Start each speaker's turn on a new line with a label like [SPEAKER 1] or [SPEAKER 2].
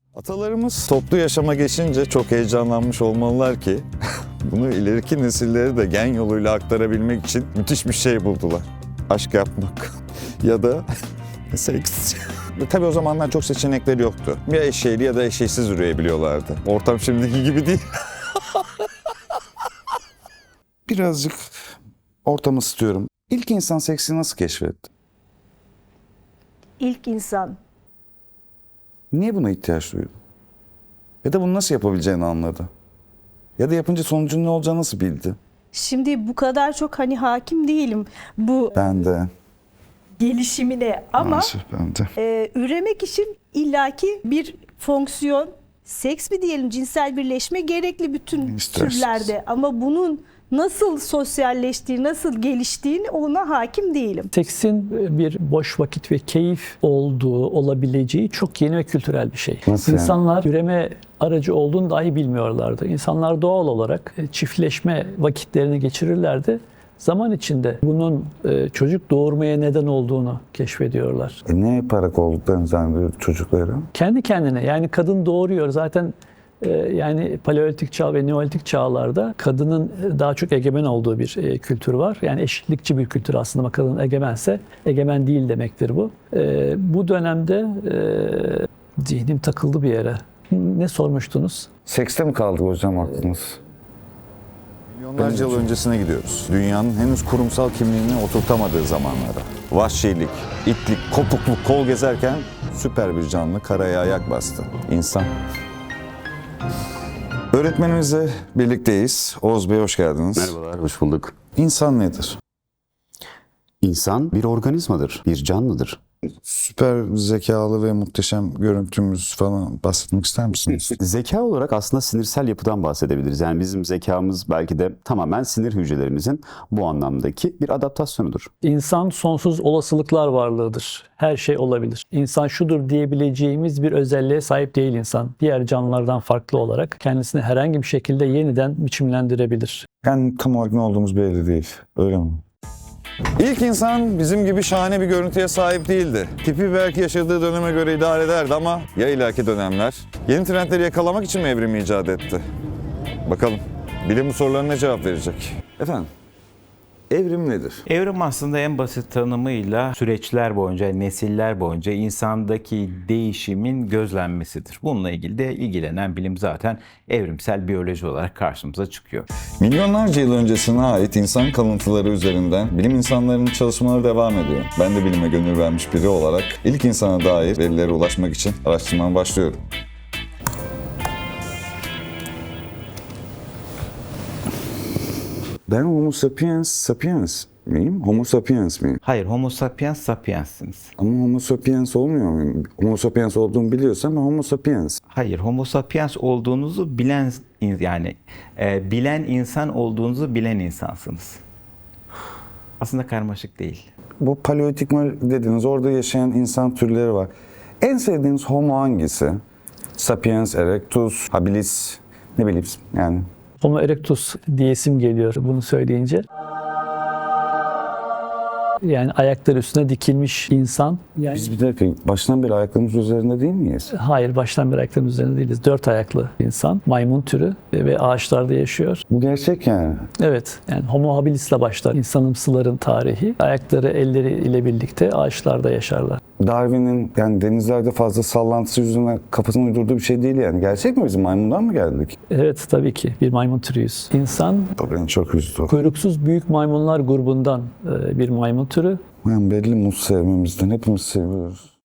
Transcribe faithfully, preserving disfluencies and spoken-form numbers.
[SPEAKER 1] Atalarımız toplu yaşama geçince çok heyecanlanmış olmalılar ki bunu ileriki nesillere de gen yoluyla aktarabilmek için müthiş bir şey buldular. Aşk yapmak ya da seks. Tabii o zamanlar çok seçenekleri yoktu. Ya eşeğli ya da eşeğsiz üreyebiliyorlardı. Ortam şimdiki gibi değil. Birazcık ortamı ısıtıyorum. İlk insan seksi nasıl keşfetti?
[SPEAKER 2] İlk insan.
[SPEAKER 1] Niye buna ihtiyaç duydu? Ya da bunu nasıl yapabileceğini anladı. Ya da yapınca sonucun ne olacağını nasıl bildi?
[SPEAKER 2] Şimdi bu kadar çok hani hakim değilim bu
[SPEAKER 1] Ben de.
[SPEAKER 2] gelişimine ama
[SPEAKER 1] Maalesef ben de.
[SPEAKER 2] e, üremek için illaki bir fonksiyon, seks mi diyelim, cinsel birleşme gerekli bütün
[SPEAKER 1] İsterseniz.
[SPEAKER 2] türlerde ama bunun nasıl sosyalleştiği, nasıl geliştiğini ona hakim değilim.
[SPEAKER 3] Seksin bir boş vakit ve keyif olduğu, olabileceği çok yeni ve kültürel bir şey.
[SPEAKER 1] Nasıl yani?
[SPEAKER 3] İnsanlar üreme aracı olduğunu dahi bilmiyorlardı. İnsanlar doğal olarak çiftleşme vakitlerini geçirirlerdi. Zaman içinde bunun çocuk doğurmaya neden olduğunu keşfediyorlar.
[SPEAKER 1] E ne yaparak olduklarını zannediyor çocukları?
[SPEAKER 3] Kendi kendine, yani kadın doğuruyor zaten. Yani paleolitik çağ ve neolitik çağlarda kadının daha çok egemen olduğu bir kültür var. Yani eşitlikçi bir kültür aslında ama kadın egemense egemen değil demektir bu. Bu dönemde zihnim takıldı bir yere. Ne sormuştunuz?
[SPEAKER 1] Sekste mi kaldı hocam aklınız? Milyonlarca yıl öncesine gidiyoruz. Dünyanın henüz kurumsal kimliğini oturtamadığı zamanlara. Vahşilik, itlik, kopukluk, kol gezerken süper bir canlı karaya ayak bastı. İnsan. Öğretmenimizle birlikteyiz. Oğuz Bey hoş geldiniz.
[SPEAKER 4] Merhabalar, hoş bulduk.
[SPEAKER 1] İnsan nedir?
[SPEAKER 4] İnsan bir organizmadır, bir canlıdır.
[SPEAKER 1] Süper zekalı ve muhteşem görüntümüz falan bahsetmek ister misiniz?
[SPEAKER 4] Zeka olarak aslında sinirsel yapıdan bahsedebiliriz. Yani bizim zekamız belki de tamamen sinir hücrelerimizin bu anlamdaki bir adaptasyonudur.
[SPEAKER 3] İnsan sonsuz olasılıklar varlığıdır. Her şey olabilir. İnsan şudur diyebileceğimiz bir özelliğe sahip değil insan. Diğer canlılardan farklı olarak kendisini herhangi bir şekilde yeniden biçimlendirebilir.
[SPEAKER 1] Yani tam olarak ne olduğumuz belli değil. Öyle mi? İlk insan bizim gibi şahane bir görüntüye sahip değildi. Tipi belki yaşadığı döneme göre idare ederdi ama ya ileriki dönemler yeni trendleri yakalamak için mi evrim icat etti? Bakalım bilim bu sorularına cevap verecek. Efendim, evrim nedir?
[SPEAKER 5] Evrim aslında en basit tanımıyla süreçler boyunca, nesiller boyunca insandaki değişimin gözlenmesidir. Bununla ilgili de ilgilenen bilim zaten evrimsel biyoloji olarak karşımıza çıkıyor.
[SPEAKER 1] Milyonlarca yıl öncesine ait insan kalıntıları üzerinden bilim insanlarının çalışmaları devam ediyor. Ben de bilime gönül vermiş biri olarak ilk insana dair verilere ulaşmak için araştırmama başlıyorum. Ben Homo sapiens sapiens miyim? Homo sapiens miyim?
[SPEAKER 5] Hayır, Homo sapiens sapiensiniz.
[SPEAKER 1] Ama Homo sapiens olmuyor muyum? Homo sapiens olduğumu biliyorsam ben Homo sapiens.
[SPEAKER 5] Hayır, Homo sapiens olduğunuzu bilen, yani e, bilen insan olduğunuzu bilen insansınız. Aslında karmaşık değil.
[SPEAKER 1] Bu paleolitik dediniz, orada yaşayan insan türleri var. En sevdiğiniz Homo hangisi? Sapiens, Erectus, Habilis, ne bileyim yani.
[SPEAKER 3] Homo erectus diyesim geliyor bunu söyleyince. Yani ayakları üstüne dikilmiş insan. Yani
[SPEAKER 1] Biz bir dakika baştan beri ayaklarımız üzerinde değil miyiz?
[SPEAKER 3] hayır, baştan beri ayaklarının üzerinde değiliz. Dört ayaklı insan, maymun türü ve ağaçlarda yaşıyor.
[SPEAKER 1] Bu gerçek yani.
[SPEAKER 3] Evet, yani Homo habilis'le başlar insanımsıların tarihi. Ayakları, elleri ile birlikte ağaçlarda yaşarlar.
[SPEAKER 1] Darwin'in yani denizlerde fazla sallantısı yüzünden kafasına uydurduğu bir şey değil yani. Gerçek mi, bizim maymundan mı geldik?
[SPEAKER 3] Evet, tabii ki bir maymun türüyüz. İnsan
[SPEAKER 1] O beni çok üzdü.
[SPEAKER 3] kuyruksuz büyük maymunlar grubundan bir maymun türü.
[SPEAKER 1] Yani belli muz sevmemizden hepimiz seviyoruz.